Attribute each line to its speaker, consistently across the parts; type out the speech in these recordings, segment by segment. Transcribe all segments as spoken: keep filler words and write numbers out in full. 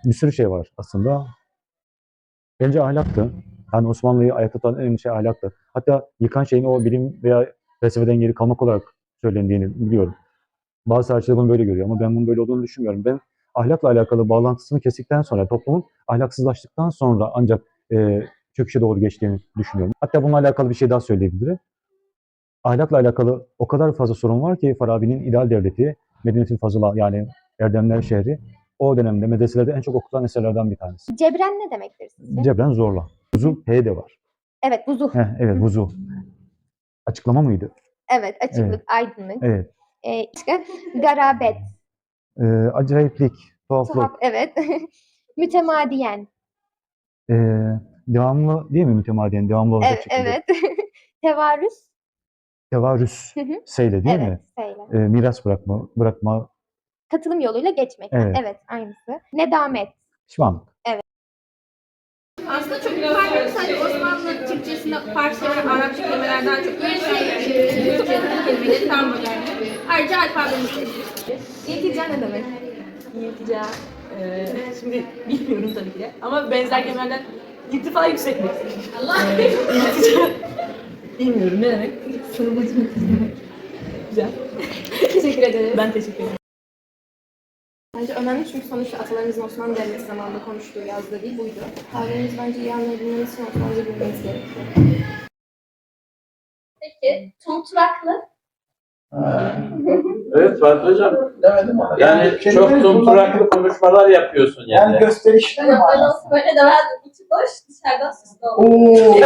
Speaker 1: bir sürü şey var aslında. Bence ahlaktı. Yani Osmanlı'yı ayakta tutan en önemli şey ahlaktı. Hatta yıkan şeyin o bilim veya felsefeden geri kalmak olarak söylendiğini biliyorum. Bazı tarihçiler bunu böyle görüyor ama ben bunun böyle olduğunu düşünmüyorum. Ben ahlakla alakalı bağlantısını kestikten sonra, toplumun ahlaksızlaştıktan sonra ancak e, çöküşe doğru geçtiğini düşünüyorum. Hatta bununla alakalı bir şey daha söyleyebilirim. Ahlakla alakalı o kadar fazla sorun var ki Farabi'nin İdeal Devleti, Medinetül Fazıla yani Erdemler Şehri o dönemde medreselerde en çok okutulan eserlerden bir tanesi.
Speaker 2: Cebren ne demektir sizce?
Speaker 1: Cebren zorla. Vuzu H de var.
Speaker 2: Evet, vuzuh.
Speaker 1: Heh, evet vuzu. Açıklama mıydı?
Speaker 2: Evet, açıklık,
Speaker 1: Evet.
Speaker 2: aydınlık.
Speaker 1: Evet.
Speaker 2: Ee, başka? Garabet.
Speaker 1: Ee, acayiplik, tuhaflık.
Speaker 2: Tuhaf, evet. Mütemadiyen.
Speaker 1: Ee, devamlı değil mi mütemadiyen? Devamlı olacak
Speaker 2: Evet,
Speaker 1: şekilde.
Speaker 2: evet. Tevarüs.
Speaker 1: Tevarüs
Speaker 2: Hı hı.
Speaker 1: seyle değil
Speaker 2: Evet,
Speaker 1: mi?
Speaker 2: seyle.
Speaker 1: Ee, miras bırakma, bırakma.
Speaker 2: Katılım yoluyla geçmek.
Speaker 1: Evet.
Speaker 2: Evet, aynısı. Nedamet.
Speaker 1: Pişmanlık.
Speaker 3: Aslında çok farklı. Sadece Osmanlı Türkçesinde Farsça ve Arapça kelimelerden çok bir şey Türkçe'nin kelimeleri tam modern. Ayrıca alfabemiz de. İltica ne demek?
Speaker 4: İltica, e, şimdi bilmiyorum tabii ki de ama benzer kelimelerden irtifa yükseklik. Allah! E, iltica, bilmiyorum ne demek? Sorumluluk. Güzel.
Speaker 3: Teşekkür ederim.
Speaker 4: Ben teşekkür ederim.
Speaker 3: Bence önemli çünkü sonuçta atalarımızın Osmanlı Devleti zamanında konuştuğu, yazdığı dil buydu. Tarihimizi bence iyi anlayabilmemiz için Osmanlıca bilmemiz gerekiyor.
Speaker 5: Peki, tumturaklı.
Speaker 6: Evet Fatih Hocam.
Speaker 7: Demedim ama.
Speaker 6: Yani, yani çok tumturaklı konuşmalar yapıyorsun yani.
Speaker 7: Yani gösterişli mi?
Speaker 5: Böyle olsa böyle demezdim. İçi boş, dışarıdan süslü olur.
Speaker 7: Oo.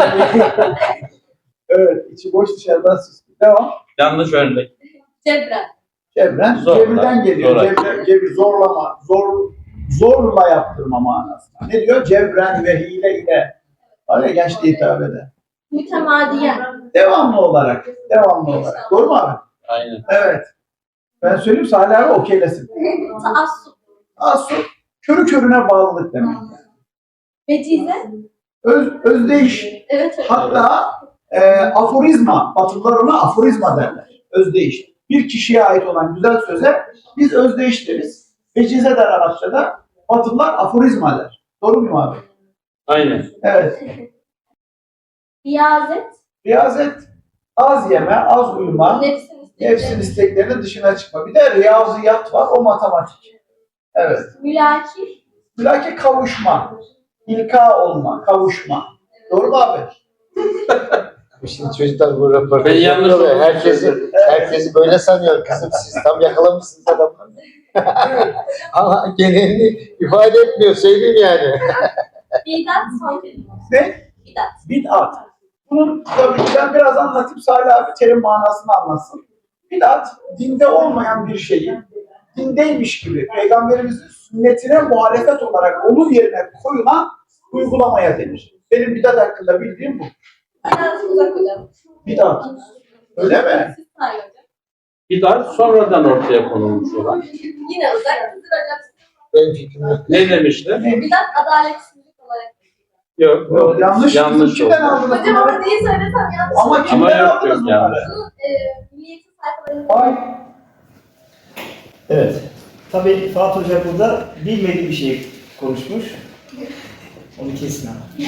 Speaker 7: Evet, içi boş dışarıdan süslü. Devam.
Speaker 6: Yanlış örnek.
Speaker 5: Cebren.
Speaker 7: Cebren,
Speaker 6: Zorla,
Speaker 7: cebirden geliyor.
Speaker 6: zorla.
Speaker 7: Cebren, cebir, zorlama, zor, zorla yaptırma manasında. Ne diyor? Cebren ve hile ile. Öyle gençliğe hitap eder.
Speaker 5: Mütemadiyen.
Speaker 7: Devamlı olarak, devamlı olarak. Doğru mu abi?
Speaker 6: Aynen.
Speaker 7: Evet. Ben söyleyeyim Salih abi okeylesin.
Speaker 5: Taassup.
Speaker 7: Aslında körü körüne bağlılık demek.
Speaker 5: Vecize.
Speaker 7: Öz, özdeyiş.
Speaker 5: Evet.
Speaker 7: Hatta e, aforizma, Batılılar ona aforizma derler. Özdeyiş. Bir kişiye ait olan güzel söze biz özdeyiş deriz. Vecize der Arapçada. Batılılar aforizma der. Doğru muyum abi?
Speaker 6: Aynen.
Speaker 7: Evet.
Speaker 5: Riyazet.
Speaker 7: Riyazet, az yeme, az uyuma,
Speaker 5: Nefsin istekleri.
Speaker 7: nefsin isteklerinin dışına çıkma. Bir de riyaziyat var, o matematik. Evet.
Speaker 5: Mülaki.
Speaker 7: Bilaki kavuşma, ilka olma, kavuşma. Doğru mu abi?
Speaker 8: Şimdi çocuklar bu röportajı
Speaker 6: Ben yanlış
Speaker 8: yapıyor ve
Speaker 6: oldum.
Speaker 8: herkesi, herkesi böyle sanıyor. Kızım siz tam yakalamışsınız adamları. Ama genelini ifade etmiyor, söyleyeyim yani.
Speaker 5: Bidat son kelime.
Speaker 7: Ne?
Speaker 5: Bidat.
Speaker 7: Bid'at. Bunun tabii ki ben biraz anlatayım, Salih abi terim manasını anlatsın. Bid'at, dinde olmayan bir şeyi, dindeymiş gibi, Peygamberimizin sünnetine muhalefet olarak onun yerine koyulan uygulamaya denir. Benim bid'at hakkında bildiğim bu.
Speaker 5: Bidat uzak hocam.
Speaker 7: Bid'at. Öyle mi?
Speaker 5: Siz Salih hocam.
Speaker 6: Bidat sonradan ortaya konulmuş olan.
Speaker 5: Yine uzak. Sizin hocam.
Speaker 8: Benim fikrim yok.
Speaker 6: Ne demişler?
Speaker 5: Bidat adaletsizlik olarak.
Speaker 6: Yok.
Speaker 7: Yok, yanlış.
Speaker 6: Yanlış
Speaker 7: Kimden
Speaker 6: oldu.
Speaker 7: aldınız
Speaker 5: Hocam
Speaker 7: bunları?
Speaker 5: ama neyi söylesem yanlış.
Speaker 7: Ama
Speaker 5: olur.
Speaker 7: kimden
Speaker 6: Ama yok,
Speaker 7: aldınız
Speaker 6: yok,
Speaker 7: bunları?
Speaker 6: yanlış.
Speaker 5: Bunu e, milliyetin sayfalarında.
Speaker 7: Ay.
Speaker 9: Evet. Tabii Fatih Hoca burada bilmediği bir şey konuşmuş. Onu kesin ama.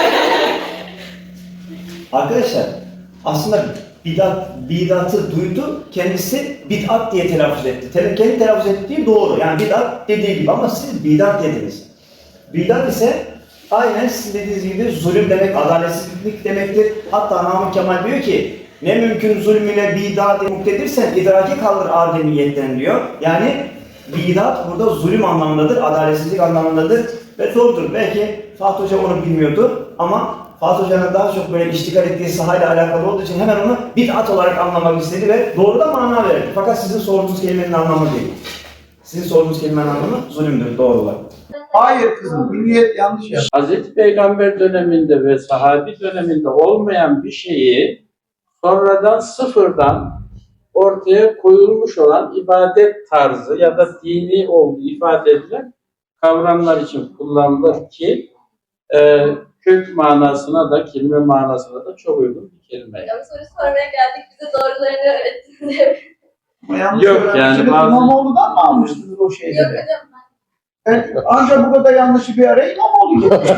Speaker 9: Arkadaşlar aslında bidat, bidatı duydu, kendisi bid'at diye telaffuz etti. Te kendi telaffuz ettiği doğru. Yani bid'at dediği gibi ama siz bidat dediniz. Bidat ise aynen sizin dediğiniz gibi zulüm demek, adaletsizlik demektir. Hatta Namık Kemal diyor ki ne mümkün zulmüne bidat muktedirsen idraki kaldır ademiyetten diyor. Yani bidat burada zulüm anlamındadır, adaletsizlik anlamındadır ve doğrudur. Belki Fatih Hoca onu bilmiyordu ama Fatih Hoca'nın daha çok böyle iştigal ettiği sahayla alakalı olduğu için hemen onu bid'at olarak anlamak istedi ve doğru da mana verdi. Fakat sizin sorduğunuz kelimenin anlamı değil. Sizin sorduğunuz kelimenin anlamı zulümdür, doğru olarak.
Speaker 7: Hayır kızım, milliyet yanlış yaptı.
Speaker 6: Hazreti Peygamber döneminde ve sahabi döneminde olmayan bir şeyi sonradan sıfırdan ortaya koyulmuş olan ibadet tarzı ya da dini olduğu ifade edilen kavramlar için kullanılır ki e, kök manasına da kelime manasına da çok uygun bir kelime.
Speaker 5: Hocam soru sormaya geldik. Bize doğrularını öğrettiniz.
Speaker 7: Ama yanlış
Speaker 6: Yok,
Speaker 7: öğrenmişsiniz.
Speaker 6: yani bazı-
Speaker 7: İmamoğlu'dan mı almıştınız o şeyleri?
Speaker 5: Yok hocam.
Speaker 7: Ben, ancak burada da yanlışı bir ara İmamoğlu gibi.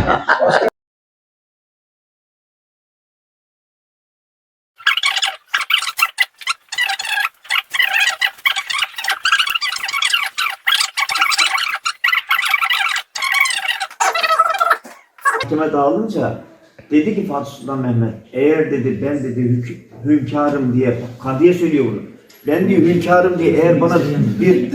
Speaker 9: Mahkeme dağılınca dedi ki Fatih Sultan Mehmet, eğer dedi ben dedi hük hünkârım diye, kadıya söylüyor bunu. Ben diyor hünkârım diye eğer bana bir...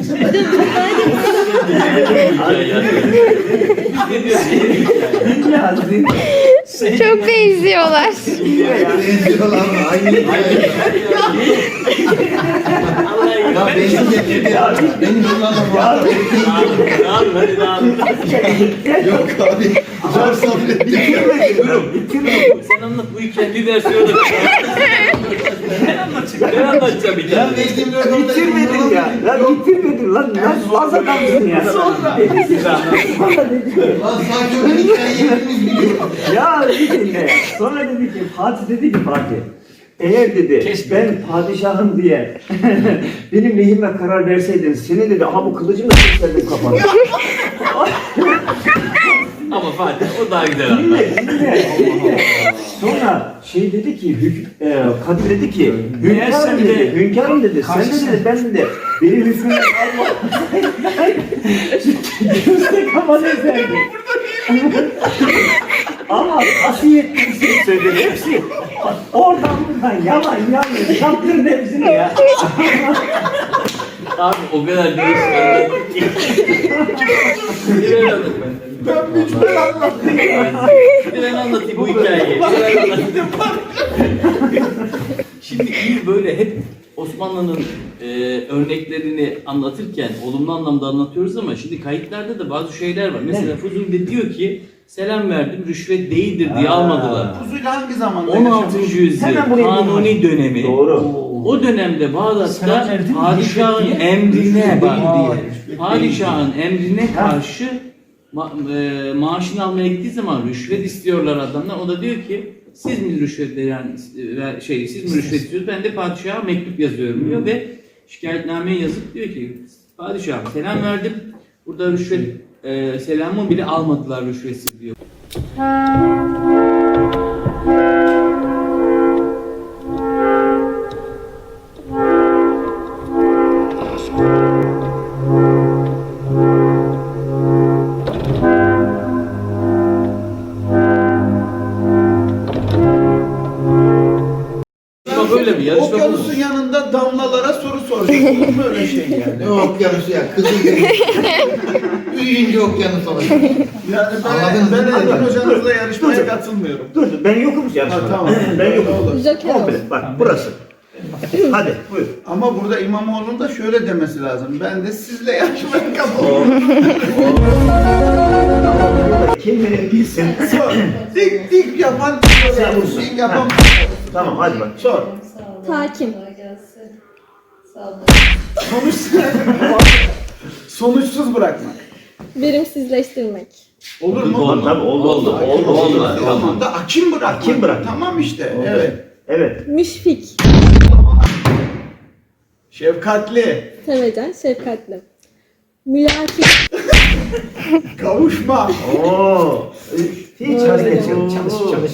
Speaker 2: Çok benziyorlar.
Speaker 8: Ya beni getirdi. Benim bunlarla Yok abi. Zor sabrettim.
Speaker 10: Sen anlat bu hikayenin bir versiyonu. Ben anlatacağım. Ben anlatacağım
Speaker 8: Ben
Speaker 10: hikayeyi.
Speaker 8: verdiğim rakamda
Speaker 9: Bitirmedin ya. Ya bitirmedin lan. Nasıl az adamsın ya.
Speaker 8: Lan sadece o hikayeyi hepimiz biliyoruz.
Speaker 9: Ya bir dinle. Sonra dedi ki Fatih dedi ki Fatih. Eğer dedi
Speaker 10: Kesme.
Speaker 9: ben padişahım diye benim lehime karar verseydin seni dedi aha bu kılıcımla keserdim kafana.
Speaker 10: Ama Fatih o daha güzel anlat.
Speaker 9: Dinle dinle. dinle. Sonra şey dedi ki hük, e, Kadir dedi ki hünkârım
Speaker 10: bir de-
Speaker 9: dedi, hünkârım dedi, sen de dedi, ben dedi, beni hükmüne alma. Gözde kafanı ezerdi. Ama asiyetten şey söyledi, hepsi oradan buradan yalan yanlış, yaptırdı hepsini ya.
Speaker 10: Abi o kadar değişik anlattı ki. Bir ben anlatayım.
Speaker 7: Ben mücbir anlattım.
Speaker 10: Bir ben anlatayım bu hikayeyi. Bir ben anlatayım. Şimdi iyi böyle hep Osmanlı'nın e, örneklerini anlatırken olumlu anlamda anlatıyoruz ama şimdi kayıtlarda da bazı şeyler var. Mesela Fuzuli diyor ki selam verdim rüşvet değildir diye almadılar.
Speaker 7: Fuzuli hangi zamanda
Speaker 10: on altıncı yüzyıl
Speaker 9: Hemen buraya
Speaker 10: Kanuni
Speaker 9: bulunmuş.
Speaker 10: dönemi.
Speaker 9: Doğru.
Speaker 10: O dönemde Bağdat'ta padişahın emrine bak, padişahın emrine karşı ma e, maaşını almaya gittiği zaman rüşvet istiyorlar adamlar. O da diyor ki siz mi rüşvet veren e, şey siz mi rüşvet istiyorsunuz? Ben de padişaha mektup yazıyorum diyor ve şikayetnameyi yazıp diyor ki padişahım selam verdim. Burada rüşvet e, selamımı bile almadılar rüşvetsiz diyor. Yarışma böyle mi? Yarışma bu mu?
Speaker 7: Okyanusun yanında damlalara soru soracak. Olur mu öyle şey yani?
Speaker 8: Ne okyanusu ya? Kızıl gibi. Büyüyünce okyanus olacak.
Speaker 7: Yani ben,
Speaker 8: Anladınız
Speaker 7: ben
Speaker 8: değil mi?
Speaker 7: Erdoğan hocanızla yarışmaya katılmıyorum.
Speaker 9: Dur dur ben yokum yarışmada.
Speaker 7: Ha, tamam.
Speaker 9: Ben yokum.
Speaker 7: Olur.
Speaker 9: Komple bak burası. Hadi buyur.
Speaker 7: Ama burada İmamoğlu'nun da şöyle demesi lazım. Ben de sizle yarışmaya katılıyorum.
Speaker 9: Kim beni bilsin.
Speaker 7: Sor. Dik dik yapan
Speaker 9: Sen vursun.
Speaker 7: dik yapan.
Speaker 9: Tamam hadi bak.
Speaker 7: Sor.
Speaker 5: Hakim.
Speaker 7: Sonuç sonuçsuz bırakmak.
Speaker 5: Verimsizleştirmek.
Speaker 7: Olur mu?
Speaker 9: Oldu tabii oldu oldu. Oldu oldu.
Speaker 7: O zaman da akim bırakmak.
Speaker 9: Akim bırakmak.
Speaker 7: Tamam işte.
Speaker 9: Oldu.
Speaker 7: Evet.
Speaker 9: Evet.
Speaker 5: Müşfik.
Speaker 7: Şefkatli.
Speaker 5: Sevecen, şefkatli. Mülakip.
Speaker 7: Kavuşma.
Speaker 9: Oo. Hiç hareket yok. Çalış çalış.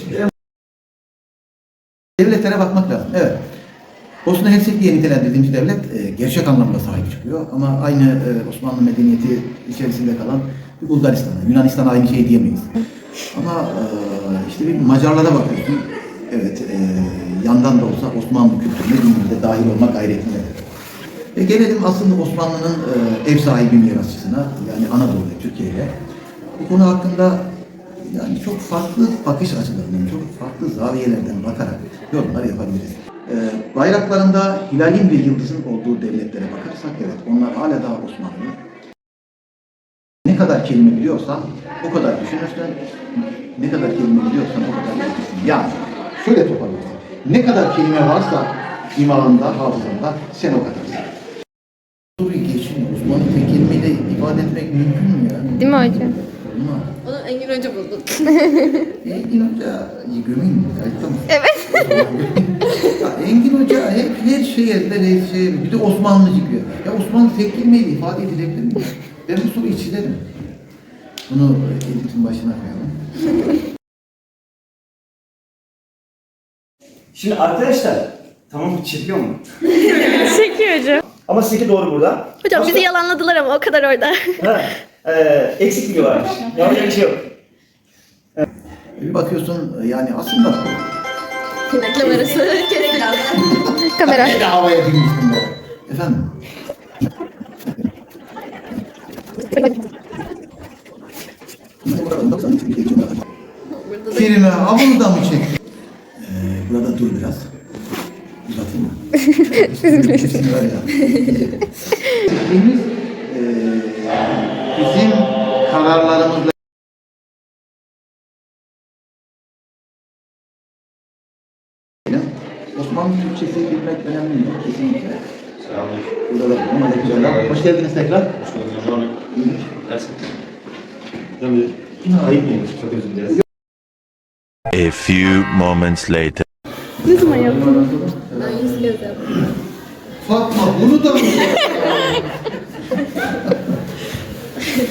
Speaker 11: Devletlere bakmak lazım. Evet. Bosna Hersek diye nitelendirdiğimiz devlet e, gerçek anlamda sahip çıkıyor. Ama aynı e, Osmanlı medeniyeti içerisinde kalan bir Bulgaristan'a, Yunanistan'a aynı şey diyemeyiz. Ama e, işte bir Macarlara bakıyorsun. Evet, e, yandan da olsa Osmanlı kültürüne dinimizde dahil olmak gayretindedir. Ve gelelim aslında Osmanlı'nın e, ev sahibi mirasçısına, yani Anadolu'ya, Türkiye'ye. Bu konu hakkında yani çok farklı bakış açılarından, çok farklı zaviyelerden bakarak yorumlar yapabiliriz. Ee, bayraklarında hilalin ve yıldızın olduğu devletlere bakarsak evet onlar hala daha Osmanlı. Ne kadar kelime biliyorsan o kadar düşünürsen, ne kadar kelime biliyorsan o kadar düşünürsün. Yani şöyle toparlayalım. Ne kadar kelime varsa imağında, hafızanda sen o kadarsın. Soruyu geçin. Osmanlı tek kelimeyle ifade etmek mümkün mü ya?
Speaker 2: Değil mi hocam?
Speaker 11: Olmaz.
Speaker 5: Onu Engin Hoca buldu.
Speaker 11: Engin Hoca gömeyim mi? Kayıtta mı?
Speaker 2: Evet.
Speaker 11: Ya Engin Hoca hep her şey ezber, her şey. Bir de Osmanlıcı diyor. Ya Osmanlı tek kelimeyle ifade edilebilir mi? Ben bu soruyu çizerim. Bunu editin başına koyalım.
Speaker 9: Şimdi arkadaşlar, tamam çekiyor mu?
Speaker 2: Çekiyor hocam.
Speaker 9: Ama sizinki doğru burada.
Speaker 5: Hocam
Speaker 9: Başka-
Speaker 5: bizi yalanladılar ama o kadar orada.
Speaker 9: Ha, e, eksik bilgi varmış. Yapacak bir şey yok.
Speaker 11: Bir bakıyorsun yani aslında
Speaker 5: Reklam arası kesin.
Speaker 2: Kamera.
Speaker 11: bir de havaya girmiştim ben. Efendim? Kerime, ha bunu da mı çek? Ee, burada dur biraz. Uzatayım mı? Siz var ya. Fikrimiz, e, bizim kararlarımızla Osmanlı Türkçesi bilmek önemli mi? Kesinlikle. Burada da ama da güzel. Hoş geldiniz tekrar. Hoş bulduk. Ayıp mıymış? Çok özür dileriz.
Speaker 12: A few moments later.
Speaker 5: Ne zaman yaptın? Ben yüz göz yaptım.
Speaker 11: Fatma bunu da mı?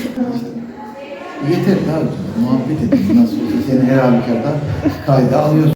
Speaker 11: Yeter abi. Muhabbet edin. Nasıl olsa seni her halükarda kayda alıyorsun.